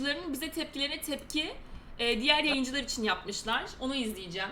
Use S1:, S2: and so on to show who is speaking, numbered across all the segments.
S1: yayıncılarının bize tepkilerine tepki diğer yayıncılar için yapmışlar. Onu izleyeceğim.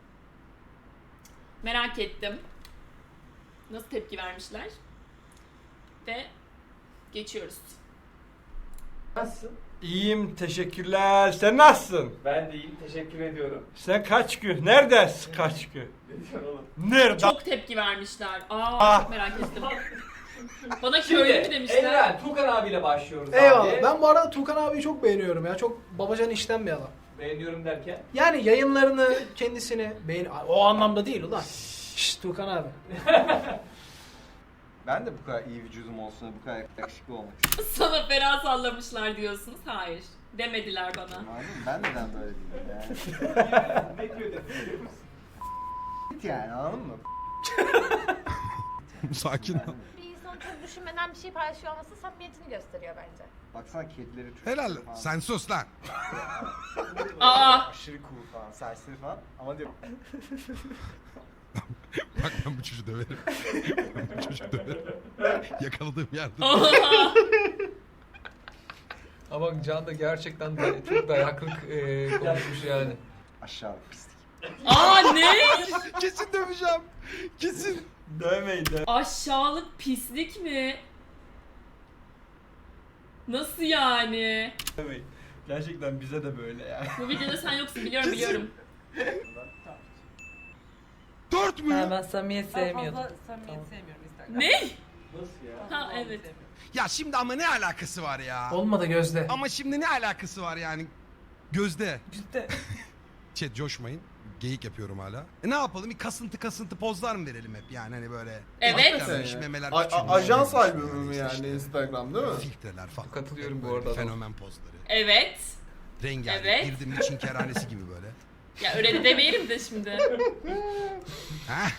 S1: Merak ettim. Nasıl tepki vermişler? Ve geçiyoruz.
S2: Nasılsın?
S3: İyiyim, teşekkürler. Sen nasılsın?
S2: Ben de iyiyim, teşekkür ediyorum.
S3: Sen kaç gün? Neredesin kaç gün?
S2: Ne diyorsun oğlum?
S3: Nerede?
S1: Çok tepki vermişler. Çok merak ettim. Bana köylü mü demişler?
S2: Evren, Tukan abiyle başlıyoruz
S4: Eyvallah.
S2: abi.
S4: Ben bu arada Tukan abiyi çok beğeniyorum ya. Çok babacan işten bir adam.
S2: Beğeniyorum derken.
S4: Yani yayınlarını, kendisini o anlamda değil ulan. Şşş Tukan abi.
S5: Ben de bu kadar iyi vücudum olsun, bu kadar yakışıklı olmak istiyorum.
S1: Sana fena sallamışlar diyorsunuz. Hayır. Demediler bana.
S5: Anladın mı? Ben neden böyle değilim yani?
S2: Ne diyor biliyor musun?
S5: Yani anladın mı?
S6: Sakin ol.
S7: Bir insanın çok düşünmeden bir şey paylaşıyor olması samimiyetini gösteriyor bence.
S5: Baksana kedileri çok
S6: Helal.
S5: falan.
S6: Sen sus lan.
S5: Aşırı cool falan, serseri falan ama diyor
S6: Bak ben bu çocuğu döverim. Ben bu çocuğu döverim. Yakaladığım yerde.
S8: Ama Can da gerçekten de çok dayaklık konuşmuş yani.
S5: aşağı pislik.
S1: Ne?
S6: Kesin döveceğim. Kesin.
S3: Dövmeyin,
S1: Aşağılık pislik mi? Nasıl yani?
S3: dövmeyin. Gerçekten bize de böyle yani.
S1: Bu videoda sen yoksun biliyorum.
S6: 4 mü?
S9: Ben samimiyet sevmiyordum.
S7: Fazla samimiyet sevmiyorum Instagram'da.
S1: Ne?
S2: Nasıl ya?
S1: Ha evet.
S6: Ya şimdi ama ne alakası var ya?
S4: Olmadı Gözde.
S6: Ama şimdi ne alakası var yani? Gözde.
S9: Ciddi.
S6: Chat coşmayın. Geyik yapıyorum hala. Ne yapalım? Bir kasıntı pozlar mı verelim hep yani hani böyle.
S1: Evet.
S6: Hakikaten memeler
S5: Ajans
S6: küçülmüş,
S5: albümü mü
S6: işte
S5: yani
S6: işte
S5: Instagram değil mi?
S6: Filtreler falan.
S8: Katılıyorum bu
S6: Böyle
S8: arada.
S6: Fenomen pozları.
S1: Evet.
S6: Rengarenk.
S1: Evet.
S6: Girdim mi Çin kerhanesi gibi böyle.
S1: Ya öyle de demeyelim de şimdi.
S6: Heh.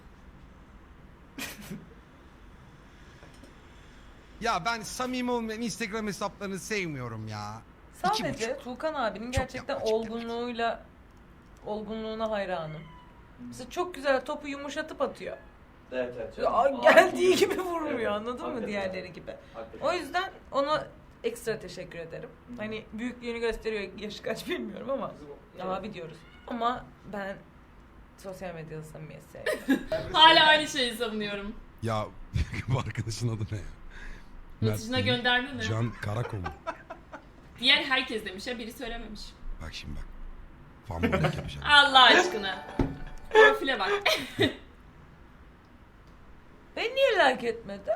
S6: Ya ben samimi olmayan Instagram hesaplarını sevmiyorum ya.
S9: Sadece Tuğkan abinin
S6: Çok
S9: gerçekten
S6: yapmacık
S9: olgunluğuna hayranım. Mesela çok güzel topu yumuşatıp atıyor.
S2: Evet evet.
S9: Geldiği gibi vurmuyor,
S2: Evet,
S9: anladın mı
S2: hakikaten.
S9: diğerleri gibi.
S2: Hakikaten.
S9: O yüzden ona ekstra teşekkür ederim. Hani büyüklüğünü gösteriyor, yaşı kaç bilmiyorum ama abi diyoruz. Ama ben sosyal medyada samimiyet sevmiyorum.
S1: Hala aynı şeyi savunuyorum.
S6: Ya bu arkadaşın adı ne ya?
S1: Mesajına
S6: Mert değil,
S1: gönderme mi?
S6: Can Karakoğlu.
S1: Diğer herkes demiş ya, biri söylememiş.
S6: Bak şimdi bak. Fanboylik yapacağım.
S1: Allah aşkına. Profile bak.
S9: Beni niye like etmedi?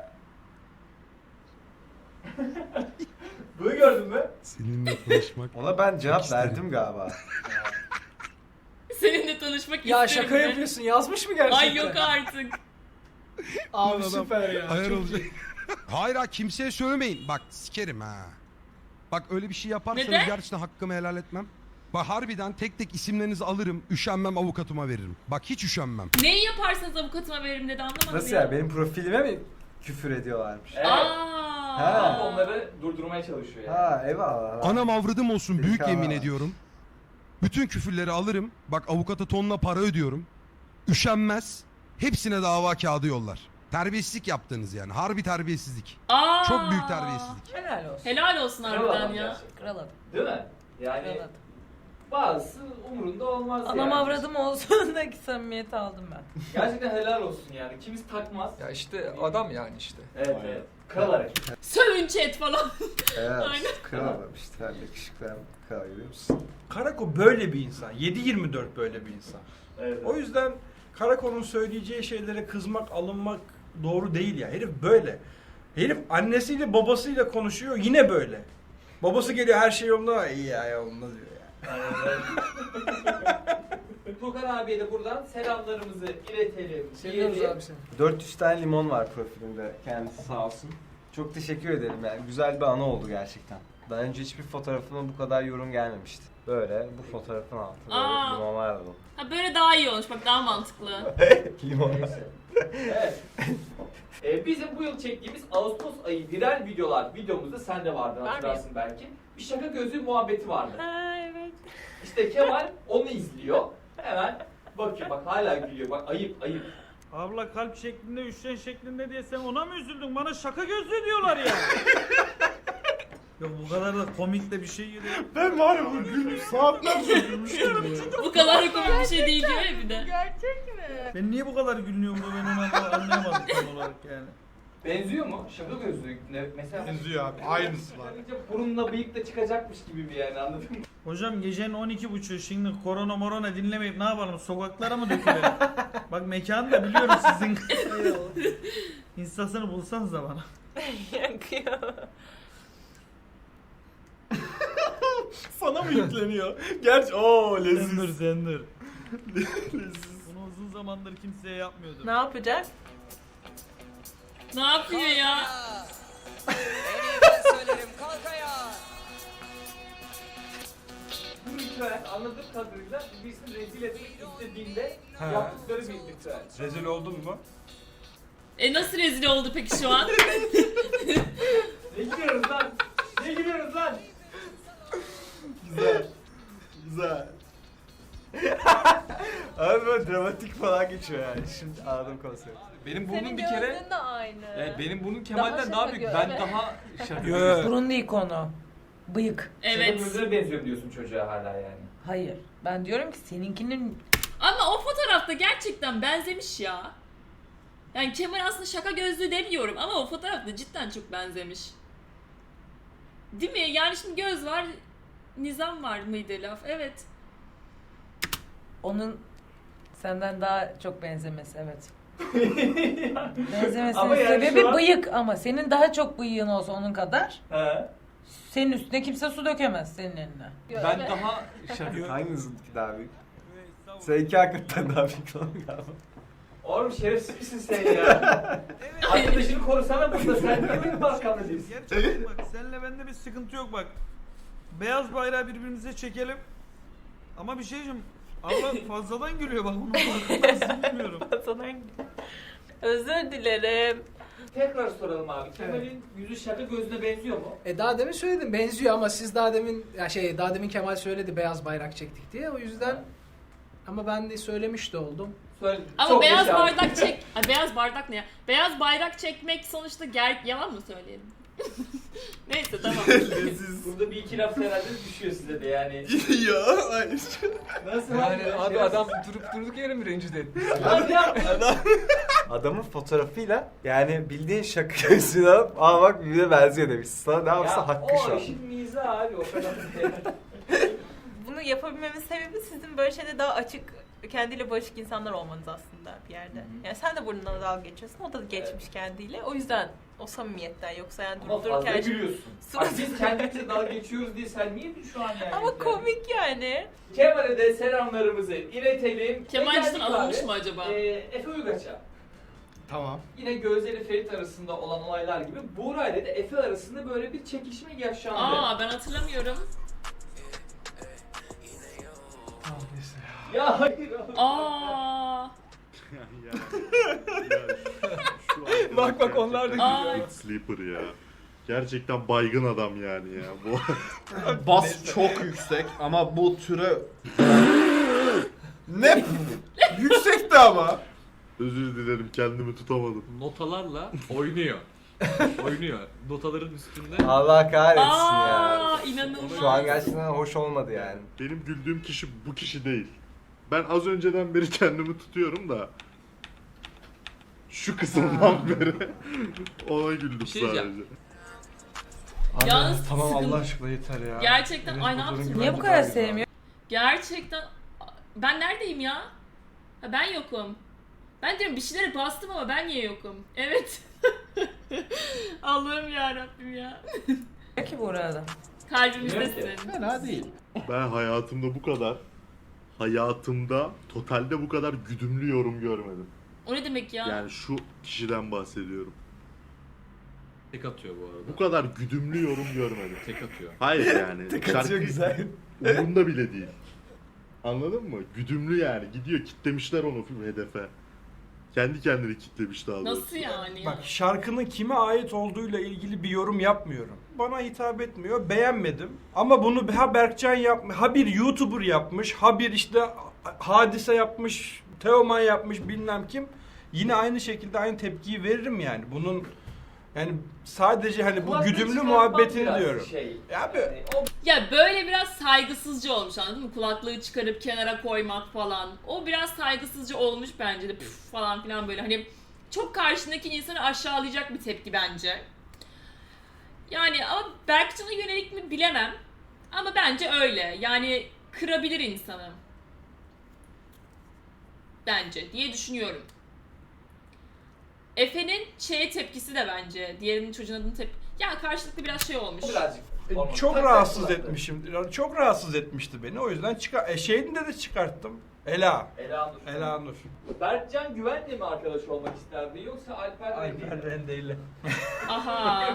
S2: Bunu gördün mü?
S6: Seninle tanışmak.
S5: Ona ben cevap
S6: Çok isterim.
S5: verdim galiba.
S1: Seninle tanışmak
S4: Ya
S1: isterim
S4: şaka
S1: de.
S4: yapıyorsun. Yazmış mı gerçekten?
S1: Ay yok artık.
S4: Abi
S6: Adam
S4: süper ya.
S6: Ayar
S4: Çok
S6: olacak.
S4: iyi.
S6: Hayır ha kimseye söylemeyin. Bak sikerim ha. Bak öyle bir şey yaparsanız
S1: Neden?
S6: gerçekten hakkımı helal etmem. Bak harbiden tek tek isimlerinizi alırım. Üşenmem avukatıma veririm. Bak hiç üşenmem.
S1: Neyi yaparsanız avukatıma veririm dedi, anlamadım
S5: Nasıl
S1: ya.
S5: ya? Benim profilime mi küfür ediyorlarmış?
S2: Evet.
S5: Ha.
S2: Onları durdurmaya çalışıyor yani.
S5: Ha eyvallah.
S6: Anam avradım olsun büyük
S5: Delikanlı.
S6: yemin ediyorum. Bütün küfürleri alırım. Bak avukata tonla para ödüyorum. Üşenmez. Hepsine dava kağıdı yollar. Terbiyesizlik yaptınız yani. Harbi terbiyesizlik. Çok büyük terbiyesizlik.
S9: Helal olsun.
S1: Helal olsun
S2: Kral
S1: harbiden
S2: adam
S1: ya.
S2: gerçekten.
S9: Kral adam.
S2: Değil mi? Yani
S9: Kral adam.
S2: bazısı umurunda olmaz
S9: Anam
S2: yani.
S9: avradım olsun da ki samimiyeti aldım ben.
S2: Gerçekten helal olsun yani. Kimisi takmaz.
S8: Ya işte adam yani işte.
S2: Evet evet. Kral hareket.
S1: Sövün chat falan.
S5: Evet.
S1: Aynen.
S5: Kral adam işte. Yakışıklı hem kral görüyor musun?
S3: Karako böyle bir insan. 7/24 böyle bir insan.
S2: Evet.
S3: O yüzden Karako'nun söyleyeceği şeylere kızmak, alınmak doğru değil ya. Herif böyle. Herif annesiyle babasıyla konuşuyor yine böyle. Babası geliyor her şey yolunda, iyi ya yolunda diyor ya.
S2: Tukan abiye de buradan selamlarımızı iletelim.
S4: Seviyoruz
S2: diyelim.
S4: abi seni.
S5: 400 tane limon var profilinde. Kendisi sağ olsun. Çok teşekkür ederim yani. Güzel bir anı oldu gerçekten. Daha önce hiçbir fotoğrafıma bu kadar yorum gelmemişti. Böyle bu fotoğrafın altı böyle
S1: Aa.
S5: limonlar dolu.
S1: Ha böyle daha iyi olmuş, bak daha mantıklı.
S5: Limon.
S2: Neyse. Evet. Bizim bu yıl çektiğimiz Ağustos ayı viral videomuzda sen de vardın,
S7: Var
S2: hatırlarsın belki. Bir şaka gözlüğü muhabbeti vardı.
S9: Ha evet.
S2: İşte Kemal onu izliyor. Hemen bakıyor, bak hala gülüyor. Bak ayıp ayıp.
S10: Abla kalp şeklinde, üçgen şeklinde diye sen ona mı üzüldün? Bana şaka gözlüğü diyorlar ya. Yok bu kadar da komik de bir şey geliyor.
S3: Ben var ya bunu gülmüş saatlerce gülmüştüm ya.
S1: Bu kadar komik bir şey değil diyor ya bir de.
S7: Gerçek mi?
S10: Ben niye bu kadar gülüyorum da ben onu anlayamadım tam olarak yani.
S2: Benziyor mu? Şaka gözlü. Mesela
S3: Benziyor abi, aynısı var.
S2: burunla bıyık da çıkacakmış gibi bir yani, anladın mı?
S10: Hocam gecenin 12.30 şimdi korona dinlemeyip ne yapalım, sokaklara mı dökülelim? Bak mekanı da biliyorum sizin. Instasını bulsanız da bana.
S9: Yakıyor.
S3: Sana mı yükleniyor? Gerçi ooo leziz.
S10: Zendir. Bunu uzun zamandır kimseye yapmıyordum.
S9: Ne yapacak?
S1: Ne yapıyor ya?
S2: Bu ritüel anladığım kadarıyla birisini rezil etmek istediğinde
S3: He.
S2: yaptıkları bir ritüel.
S3: Rezil oldun mu?
S1: Nasıl rezil oldu peki şu an?
S2: Ne gülüyoruz lan? Ne gülüyoruz lan?
S3: Güzel. Güzel.
S5: Abi böyle dramatik falan geçiyor yani. Şimdi anladım konsepti.
S8: Benim
S7: Senin
S8: burnum bir kere...
S7: gözlüğün de aynı.
S8: benim burnum Kemal'den
S7: şaka
S8: daha büyük.
S7: göre.
S8: Ben daha şaka.
S3: Yo.
S9: Burun değil konu. Bıyık.
S1: Evet.
S2: Senin gözüne benziyor diyorsun çocuğa hala yani.
S9: Hayır. Ben diyorum ki seninkinin
S1: Ama o fotoğrafta gerçekten benzemiş ya. Yani Kemal aslında şaka gözlü demiyorum ama o fotoğrafta cidden çok benzemiş. Değil mi? Yani şimdi göz var, nizam var mıydı laf? Evet.
S9: onun senden daha çok benzemesi, evet. Benzemesinin
S2: Ama yani
S9: sebebi
S2: şu an-
S9: bıyık ama senin daha çok bıyığın olsa onun kadar
S2: He.
S9: senin üstüne kimse su dökemez senin eline.
S8: Ben daha şaka.
S5: Hanginizinki daha büyük? Seninki hakikaten daha büyük olan galiba.
S2: Oğlum şerefsiz misin sen ya? Arkadaşını korusana burada, sen niye benim arkamda değilsin?
S10: Gerçekten bak seninle bende bir sıkıntı yok bak. Beyaz bayrağı birbirimize çekelim. Ama bir şey diyeceğim. Allah fazladan gülüyor bak onu farkındasın bilmiyorum.
S9: Özür dilerim.
S2: Tekrar soralım abi. Kemal'in yüzü şaka gözüne benziyor mu?
S4: Daha demin söyledim benziyor ama siz daha demin Kemal söyledi beyaz bayrak çektik diye o yüzden ama ben de söylemiş de oldum.
S2: Söyle.
S1: Ama
S2: çok
S1: beyaz
S2: yaşa.
S1: bardak çek... Ay, beyaz bardak ne ya? Beyaz bayrak çekmek sonuçta yalan mı söyleyelim? Neyse tamam.
S3: Leziz.
S2: Burada bir iki laf herhalde düşüyor size de yani.
S3: Ya hayır.
S2: Nasıl
S8: Yani
S2: abi?
S8: adam durduk yere mi rencide etti?
S5: Adamın fotoğrafıyla yani bildiğin şaka gözünü alıp aa bak birbirine benziyor demiş. Sana ne yapsa hakkı şu
S2: O
S5: an.
S2: işin mizahı abi, o kadar.
S9: Bunu yapabilmemin sebebi sizin böyle şeyde daha açık, kendiyle barışık insanlar olmanız aslında bir yerde. Yani sen de burnundan dalga geçiyorsun, o da geçmiş kendiyle. O yüzden o samimiyetten, yoksa yani
S2: Ama
S9: durup
S2: fazla
S9: dururken...
S2: gülüyorsun. Bak biz kendimize dalga geçiyoruz diye sen niye şu an yani?
S9: Ama komik yani.
S2: Kemal'e de selamlarımızı iletelim.
S1: Kemal
S2: Geldik
S1: cidden alınmış
S2: abi.
S1: mı acaba?
S2: Efe Uygaç'a.
S3: Tamam.
S2: Yine Gözde ile Ferit arasında olan olaylar gibi Buğra ile de Efe arasında böyle bir çekişme yaşandı.
S1: Aa ben hatırlamıyorum.
S2: Ya hayır.
S1: Aa.
S8: Bak onlar da
S1: Aa.
S11: Sleeper ya. Gerçekten baygın adam yani ya. Bu
S3: Bas çok yüksek ama bu türe... Ne? Yüksekti ama.
S11: özür dilerim, kendimi tutamadım.
S8: notalarla oynuyor. Oynuyor. Notaların üstünde.
S5: Allah kahretsin ya.
S1: Aa inanılmaz.
S5: Şu an gerçekten hoş olmadı yani.
S11: Benim güldüğüm kişi bu kişi değil. Ben az önceden beri kendimi tutuyorum da şu kısımdan beri ona güldüm
S8: Bir şey
S11: sadece.
S8: diyeceğim.
S1: Yalnız
S3: Tamam
S1: sıkıntı-
S3: Allah aşkına yeter ya.
S1: Gerçekten
S3: Benim
S1: ay ne
S3: fotoğrafım
S1: yaptın?
S9: Niye bu
S3: bence
S9: kadar
S3: daha güzel.
S9: sevmiyor?
S1: Gerçekten ben neredeyim ya? Ha, ben yokum. Ben diyorum bir şeylere bastım ama ben niye yokum? Evet. Allah'ım ya Rabbim ya.
S9: Peki bu arada.
S1: Kalbimizdesin.
S3: Fena değil.
S11: Ben hayatımda totalde bu kadar güdümlü yorum görmedim.
S1: O ne demek ya?
S11: Yani şu kişiden bahsediyorum.
S8: Tek atıyor bu arada.
S11: Bu kadar güdümlü yorum görmedim.
S8: Tek atıyor.
S11: Hayır yani.
S5: Tek atıyor güzel.
S11: Umurunda bile değil. Anladın mı? Güdümlü yani. Gidiyor, kitlemişler onu hedefe. Kendi kendini kitlemiş daha doğrusu.
S1: Nasıl yani?
S3: Bak şarkının kime ait olduğuyla ilgili bir yorum yapmıyorum. Bana hitap etmiyor, beğenmedim. Ama bunu ha Berkcan yapmış, ha bir YouTuber yapmış, ha bir işte Hadise yapmış, Teoman yapmış bilmem kim. Yine aynı şekilde aynı tepkiyi veririm yani. Bunun Yani sadece hani bu
S2: Kulaklığı
S3: güdümlü
S2: çıkartmak
S3: muhabbetini
S2: biraz
S3: diyorum.
S2: Şey,
S3: Ya
S2: yani o
S1: Ya böyle biraz saygısızca olmuş, anladın mı? Kulaklığı çıkarıp kenara koymak falan. O biraz saygısızca olmuş bence de, püf falan filan böyle. Hani çok karşındaki insanı aşağılayacak bir tepki bence. Yani ama Berkcan'a yönelik mi bilemem. Ama bence öyle. Yani kırabilir insanı. Bence diye düşünüyorum. Efe'nin şeye tepkisi de bence. Diğerinin çocuğun adını ya karşılıklı biraz şey olmuş.
S2: birazcık.
S3: Çok
S2: Tak
S3: rahatsız
S2: kulaklığı.
S3: etmişim. Çok rahatsız etmişti beni. O yüzden şeyinde de çıkarttım. Ela Nur.
S2: Berkcan Güven'le mi arkadaş olmak isterdi yoksa Alper Rende'yle mi?
S3: Rendeyle.
S1: Aha.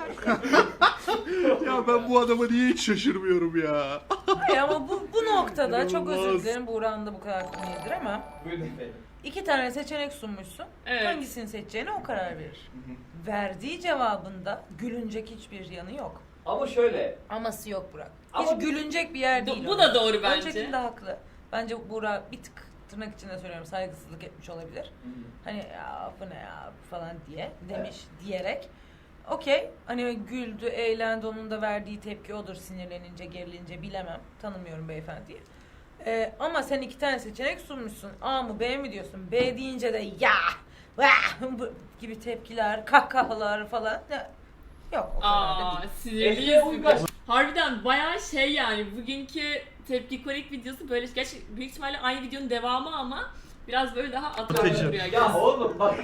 S11: Ya ben bu adama niye hiç şaşırmıyorum ya.
S9: Hayır ama bu noktada çok özür
S11: İnanılmaz.
S9: dilerim, Buğra'nın da bu kadar hakkını yedir ama
S2: Buyurun efendim.
S9: 2 tane seçenek sunmuşsun.
S1: Evet.
S9: Hangisini seçeceğine o karar verir. Verdiği cevabında gülünecek hiçbir yanı yok.
S2: Ama şöyle,
S9: Aması yok Burak.
S2: Ama
S9: Hiç gülünecek bir yer değil.
S1: Bu da doğru bence.
S9: Öncekinde haklı. Bence Buğra bir tık tırnak içinde söylüyorum saygısızlık etmiş olabilir. Hani ya bu ne ya falan diye demiş diyerek. Okey. Hani güldü, eğlendi, onun da verdiği tepki odur, sinirlenince, gerilince bilemem. Tanımıyorum beyefendiyi. Ama sen 2 tane seçenek sunmuşsun. A mı B mi diyorsun? B deyince de ya vah gibi tepkiler, kahkahalar falan. Yok o kadar da
S1: Aa,
S9: değil.
S1: sinirliyiz bugün. Harbiden bayağı şey yani bugünkü tepki kolik videosu böyle gerçi büyük ihtimalle aynı videonun devamı ama biraz böyle daha atraksiyonlu
S3: Atıcı.
S1: duruyor.
S2: ya oğlum bak.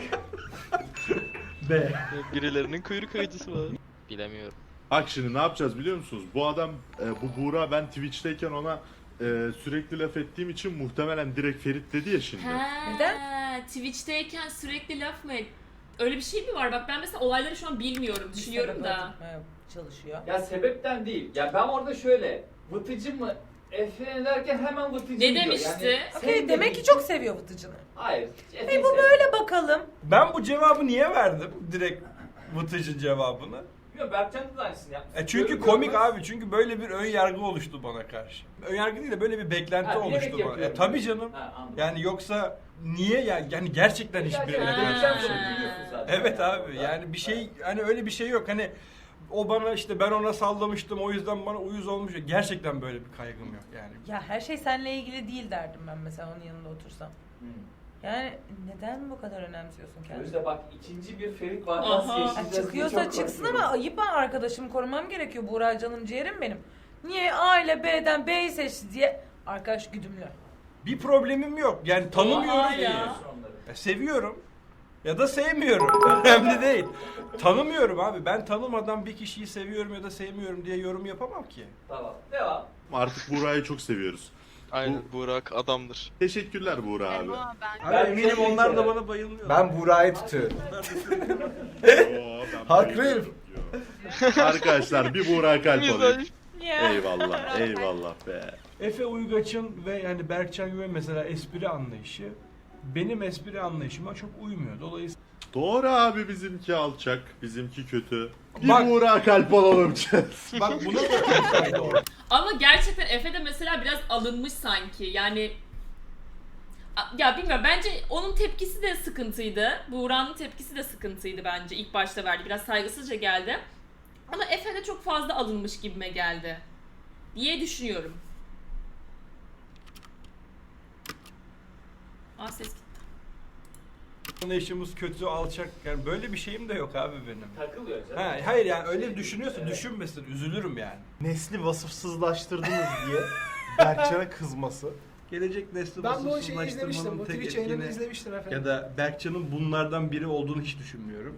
S3: B.
S12: Birilerinin kuyruk acısı var. Bilemiyorum.
S11: Bak şimdi ne yapacağız biliyor musunuz? Bu adam, bu Buğra, ben Twitch'teyken ona sürekli laf ettiğim için muhtemelen direkt Ferit dedi ya şimdi.
S1: Neden? Twitch'teyken sürekli laf mı et? Öyle bir şey mi var? Bak ben mesela olayları şu an bilmiyorum, düşünüyorum
S9: Bir
S1: da.
S9: sebep oturtmaya çalışıyor.
S2: Ya sebepten değil. Ya ben orada şöyle, vıtıcı mı Efe derken hemen vıtıcı
S1: Ne
S2: diyor.
S1: demişti?
S2: Yani
S9: Okey,
S2: sen
S9: demek
S2: de-
S9: ki çok seviyor Vıtıcı'nı.
S2: Hayır.
S9: Hey bu böyle bakalım.
S3: Ben bu cevabı niye verdim? Direkt Vıtıcı cevabını.
S2: Bilmiyorum, Berkcan da aynısını yapmış.
S3: Çünkü
S2: Görür
S3: komik
S2: görmez-
S3: abi. Çünkü böyle bir ön yargı oluştu bana karşı. Ön yargı değil de böyle bir beklenti
S2: Ha, bilerek
S3: oluştu bana.
S2: yapıyorum.
S3: Tabii canım.
S2: Ha, anladım.
S3: Yani yoksa niye ya? Yani gerçekten hiçbirine
S2: Gerçekten
S3: karşı
S1: Ha.
S3: bir şey
S2: sen
S3: yok.
S2: biliyorsun zaten.
S3: Evet abi. Yani bir şey hani öyle bir şey yok. Hani o bana işte ben ona sallamıştım o yüzden bana uyuz olmuş. Gerçekten böyle bir kaygım yok yani.
S9: Ya her şey seninle ilgili değil derdim ben mesela onun yanında otursam. Yani neden bu kadar önemsiyorsun kendini?
S2: Gözde bak, ikinci bir Ferit
S1: Aha.
S2: vakası
S9: Ya
S2: yaşayacağız diye
S9: çıkıyorsa
S2: çok
S9: çıksın
S2: korkuyorum.
S9: ama ayıp, ben arkadaşımı korumam gerekiyor. Buğra canım ciğerim benim. Niye A ile B'den B'yi seçti diye arkadaş güdümlü.
S3: Bir problemim yok. Yani tanımıyorum
S1: Oha
S3: diye.
S1: ya.
S3: Seviyorum. Ya da sevmiyorum. Önemli değil. Tanımıyorum abi. Ben tanımadan bir kişiyi seviyorum ya da sevmiyorum diye yorum yapamam ki.
S2: Tamam. Devam.
S11: Artık Buğra'yı çok seviyoruz.
S12: Aynen Burak adamdır.
S11: Teşekkürler Buğra abi.
S3: Abi eminim onlar da bana bayılmıyor.
S5: Ben Buğra'yı tutuyorum.
S11: Oo, ben
S5: Haklıyım.
S11: Arkadaşlar bir Buğra kalp alayım.
S12: Güzel.
S11: Eyvallah, eyvallah be.
S3: Efe Uygaç'ın ve yani Berkcan Güven mesela espri anlayışı benim espri anlayışıma çok uymuyor. Dolayısıyla
S11: Doğru abi, bizimki alçak, bizimki kötü. Bir
S3: Bak-
S11: Buğra kalp alalım.
S3: bak buna da doğru.
S1: Ama gerçekten Efe de mesela biraz alınmış sanki. Yani ya bilmiyorum, bence onun tepkisi de sıkıntıydı. Buğra'nın tepkisi de sıkıntıydı bence. İlk başta verdi. Biraz saygısızca geldi. Ama Efe de çok fazla alınmış gibime geldi diye düşünüyorum. Ses gitti.
S3: Anlayışımız kötü, alçak. Yani böyle bir şeyim de yok abi benim.
S2: Takılıyor canım.
S3: Ha, hayır yani öyle düşünüyorsa düşünmesin, üzülürüm yani.
S13: Nesli vasıfsızlaştırdınız diye Berkcan'a kızması.
S3: Gelecek nesli
S4: Ben bu şeyi izlemiştim.
S3: vasıfsızlaştırmanın
S4: Bu
S3: tek
S4: Twitch yayınını
S3: etkini
S4: izlemiştim efendim.
S3: ya da Berkcan'ın bunlardan biri olduğunu hiç düşünmüyorum.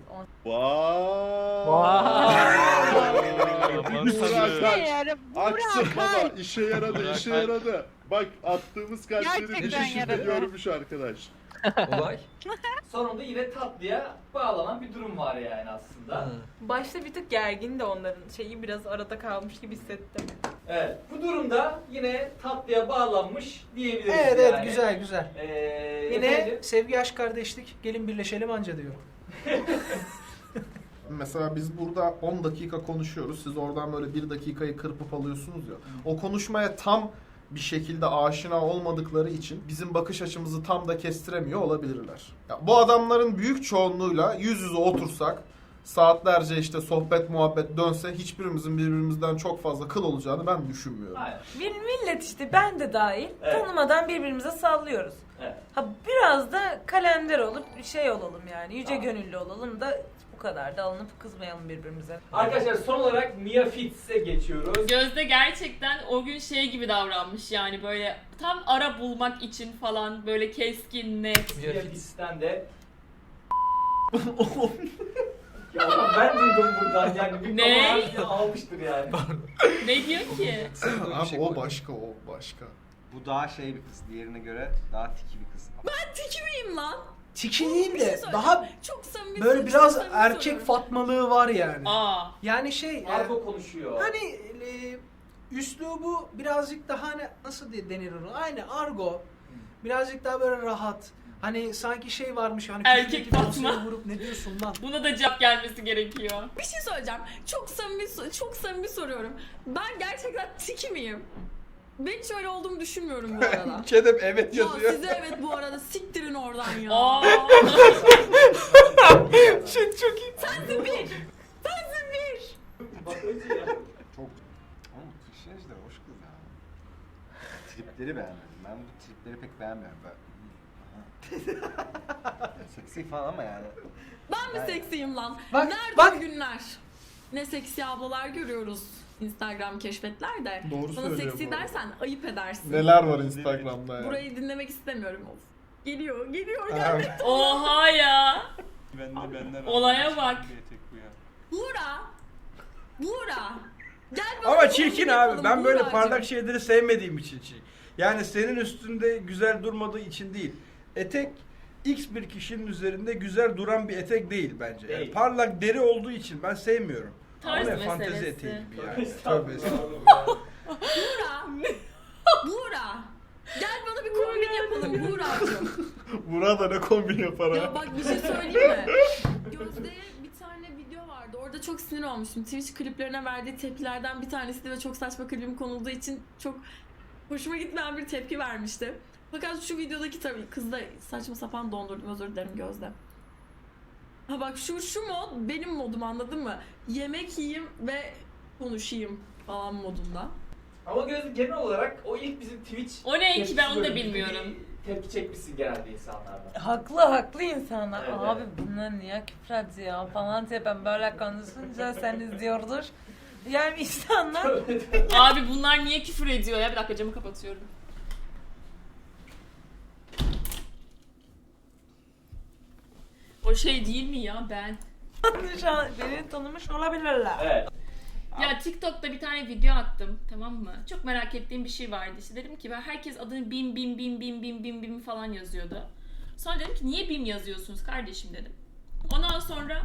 S11: Bir Buğra kalp. Aksın baba, işe yaradı,
S12: Buğra
S11: işe
S12: kalp.
S11: yaradı. Bak attığımız kalpleri
S7: Gerçekten
S11: bir şekilde
S7: yaradı.
S11: görmüş arkadaş.
S8: Olay.
S2: Sonunda yine tatlıya bağlanan bir durum var yani aslında.
S9: Başta bir tık gergin de onların şeyi biraz arada kalmış gibi hissettim.
S2: Evet. Bu durumda yine tatlıya bağlanmış diyebiliriz
S4: Evet
S2: yani.
S4: evet, güzel güzel. Yine
S2: efendim,
S4: sevgi, aşk, kardeşlik, gelin birleşelim anca diyorum.
S13: Mesela biz burada 10 dakika konuşuyoruz. Siz oradan böyle 1 dakikayı kırpıp alıyorsunuz ya. O konuşmaya tam bir şekilde aşina olmadıkları için bizim bakış açımızı tam da kestiremiyor olabilirler. Ya bu adamların büyük çoğunluğuyla yüz yüze otursak saatlerce işte sohbet muhabbet dönse hiçbirimizin birbirimizden çok fazla kıl olacağını ben düşünmüyorum.
S2: Aynen.
S9: Bir millet işte ben de dahil
S2: Evet.
S9: tanımadan birbirimize sallıyoruz.
S2: Evet.
S9: Ha biraz da kalender olup şey olalım yani yüce
S2: Tamam.
S9: gönüllü olalım da bu kadar da alınıp kızmayalım birbirimize.
S2: Arkadaşlar son olarak Mia Fitz'e geçiyoruz.
S1: Gözde gerçekten o gün şey gibi davranmış yani böyle tam ara bulmak için falan böyle keskin, net.
S2: Mia Fitz'ten de ya ben duydum buradan yani bir
S1: Ne?
S2: kamerayı almıştır yani.
S1: Ne diyor ki?
S13: Abi o başka, o başka.
S5: Bu daha şey bir kız. Diğerine göre daha tiki bir kız.
S4: Ben
S1: Tiki miyim lan?
S4: Tiki değil
S1: Bir
S4: de
S1: şey söyleyeceğim.
S4: daha
S1: Çok samimi.
S4: böyle
S1: çok
S4: biraz
S1: samimi
S4: erkek
S1: soruyorum.
S4: fatmalığı var yani.
S1: Aa.
S4: Yani şey
S2: Argo konuşuyor.
S4: hani üslubu birazcık daha hani nasıl denir onu? Aynı argo. Birazcık daha böyle rahat. Hani sanki şey varmış hani
S1: Erkek
S4: küçükteki
S1: Fatma.
S4: dosyayı vurup ne diyorsun lan?
S1: Buna da cevap gelmesi gerekiyor.
S14: Bir şey söyleyeceğim. Çok samimi soruyorum. Ben gerçekten tiki miyim? Ben hiç öyle olduğumu düşünmüyorum bu arada.
S3: Kedem evet
S14: Ya
S3: yazıyor.
S14: size evet bu arada siktirin oradan ya.
S1: Aa.
S4: Çok iyi.
S14: Sensin bir. Sensin bir.
S2: Bak önce ya.
S5: Çok... Ama Kışlej de hoş kız ya. Tripleri beğenmedim. Ben bu tripleri pek beğenmiyorum. Seksi falan ama yani.
S14: Ben mi seksiyim lan?
S4: Bak,
S14: Nerede
S4: bak.
S14: o günler? Ne seksi ablalar görüyoruz Instagram keşfetlerde.
S13: Doğru
S14: Bana
S13: söylüyor
S14: seksi
S13: bu arada.
S14: dersen ayıp edersin.
S13: Neler var Instagram'da ya.
S14: Burayı dinlemek istemiyorum. Of. Geliyor
S13: Evet.
S14: geldi.
S1: Oha ya.
S3: Benden
S1: Olaya bak.
S14: Buğra. Gel bana
S3: Ama
S14: bir
S3: çirkin
S14: kombin
S3: abi.
S14: yapalım
S3: Ben böyle
S14: Buğracığım.
S3: parlak şeyleri sevmediğim için çirkin. Yani senin üstünde güzel durmadığı için değil. Etek X bir kişinin üzerinde güzel duran bir etek değil bence. Yani
S2: Değil.
S3: parlak deri olduğu için ben sevmiyorum.
S1: Tarz
S3: Ama fantezi
S1: meselesi.
S3: eteği gibi yani. Tövbe
S2: Estağfurullah.
S3: estağfurullah.
S14: Buğra. Gel bana bir kombin yapalım Buğracığım.
S13: Burada ne kombin yapar
S14: Ya
S13: ha?
S14: bak bir şey söyleyeyim mi? Gözde'ye bir tane video vardı. Orada çok sinir olmuştum. Twitch kliplerine verdiği tepkilerden bir tanesiydi ve çok saçma klibim konulduğu için çok hoşuma gitmeyen bir tepki vermişti. Fakat şu videodaki tabii kız da saçma sapan dondurdum, özür dilerim Gözde. Ha bak şu mod benim modum, anladın mı? Yemek yiyeyim ve konuşayım falan modunda.
S2: Ama Gözde genel olarak o ilk bizim Twitch
S1: O ne ki
S2: tepkisi
S1: ben onu da
S2: bölümünde
S1: bilmiyorum.
S2: bir Tepki çekmişsin genelde insanlardan.
S9: Haklı insanlar.
S2: Evet,
S9: Abi
S2: evet.
S9: bunlar niye küfür ediyor falan diye ben böyle konuşunca sen izliyordur. Yani insanlar
S1: Abi bunlar niye küfür ediyor ya? Bir dakika camı kapatıyorum. O şey değil mi ya ben?
S9: şu an beni tanımış olabilirler.
S2: Evet.
S1: Ya TikTok'ta bir tane video attım, tamam mı? Çok merak ettiğim bir şey vardı. İşte dedim ki ben herkes adını bim falan yazıyordu. Sonra dedim ki niye bim yazıyorsunuz kardeşim dedim. Ondan sonra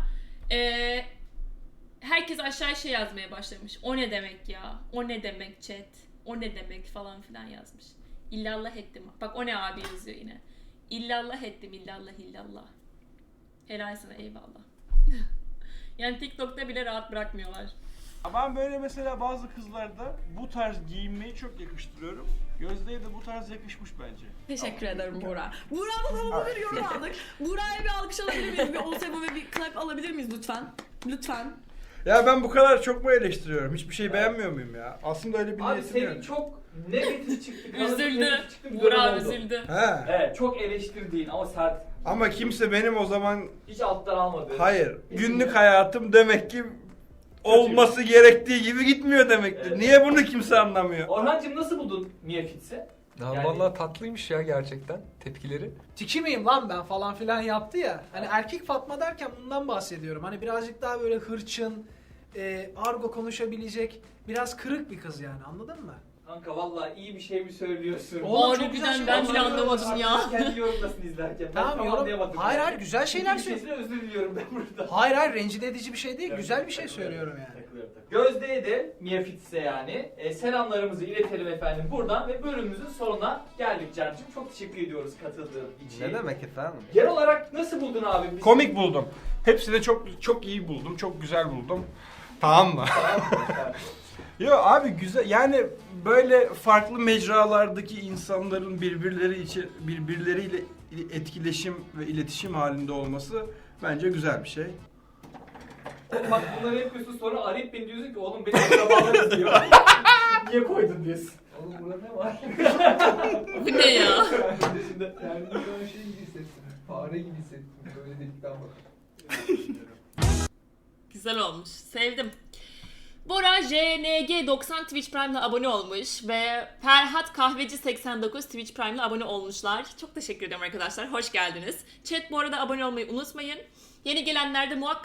S1: herkes aşağı şey yazmaya başlamış. O ne demek ya? O ne demek chat? O ne demek falan filan yazmış. İllallah ettim. Bak o ne abi yazıyor yine. İllallah ettim, illallah. Helal sana, eyvallah. Yani TikTok'ta bile rahat bırakmıyorlar.
S3: Ben böyle mesela bazı kızlarda bu tarz giyinmeyi çok yakıştırıyorum. Gözde'ye de bu tarz yakışmış bence.
S14: Teşekkür ederim Buğra. Buğra'dan havalı bir yorum aldık. Buğra'ya bir alkış alabilir miyiz? Bir Osebo ve bir clap alabilir miyiz lütfen? Lütfen.
S3: Ya ben bu kadar çok mu eleştiriyorum? Hiçbir şey beğenmiyor muyum ya? Aslında öyle bir
S2: Abi
S3: niyetim
S2: senin
S3: yok.
S2: çok negatif çıktı.
S1: Üzüldü.
S2: negatif çıktı, bir
S1: Burak
S2: dönem oldu.
S1: üzüldü.
S3: He.
S2: Evet, çok eleştirdiğin ama sert.
S3: Ama kimse benim o zaman
S2: Hiç alttan almadı.
S3: hayır. Günlük hayatım demek ki olması gerektiği gibi gitmiyor demektir.
S2: Evet.
S3: Niye bunu kimse anlamıyor?
S2: Orhancığım nasıl buldun Mia Fitz'i?
S8: Ya
S2: Yani-
S8: vallahi tatlıymış ya gerçekten tepkileri.
S4: Tiki miyim lan ben falan filan yaptı ya. Hani erkek Fatma derken bundan bahsediyorum. Hani birazcık daha böyle hırçın, argo konuşabilecek, biraz kırık bir kız yani, anladın mı?
S2: Kanka vallahi iyi bir şey mi söylüyorsun?
S4: Oğlum, çok
S1: Harbiden
S4: güzel şey
S1: ben
S4: var.
S1: bile anlamadım ya.
S2: Kendi yorumlasın izlerken. Ben
S4: Tamam,
S2: tam
S4: yorum-
S2: anlayamadım.
S4: Hayır,
S2: yani.
S4: hayır, güzel şeyler
S2: Bir şeysine özür diliyorum ben burada.
S4: Hayır rencide edici bir şey değil,
S2: Evet,
S4: güzel bir şey
S2: takılıyorum,
S4: söylüyorum yani.
S2: takılıyorum. Gözde'ye de Mia Fitz'e yani selamlarımızı iletelim efendim buradan ve bölümümüzün sonuna geldik Can'cığım. Çok teşekkür ediyoruz katıldığın için.
S5: Ne demek efendim?
S2: Genel olarak nasıl buldun abi? Biz-
S3: Komik buldum. Hepsini çok iyi buldum. Çok güzel buldum. Tamam mı? Yo abi güzel, yani böyle farklı mecralardaki insanların birbirleriyle etkileşim ve iletişim halinde olması bence güzel bir şey.
S2: Oğlum bak bunları yapıyorsun sonra arayıp beni diyorsun ki oğlum benim akrabalar izliyor. Niye koydun diyorsun.
S8: Oğlum burada ne var?
S1: Bu ne ya?
S2: Şimdi
S8: Yani şu an şey gibi hissettim. Fare gibi hissettim. Böyle dedikten bak.
S1: Güzel olmuş. Sevdim. Bora JNG90 Twitch Prime'la abone olmuş ve Ferhat Kahveci 89 Twitch Prime'la abone olmuşlar. Çok teşekkür ederim arkadaşlar. Hoş geldiniz. Chat bu arada abone olmayı unutmayın. Yeni gelenler de muhakkak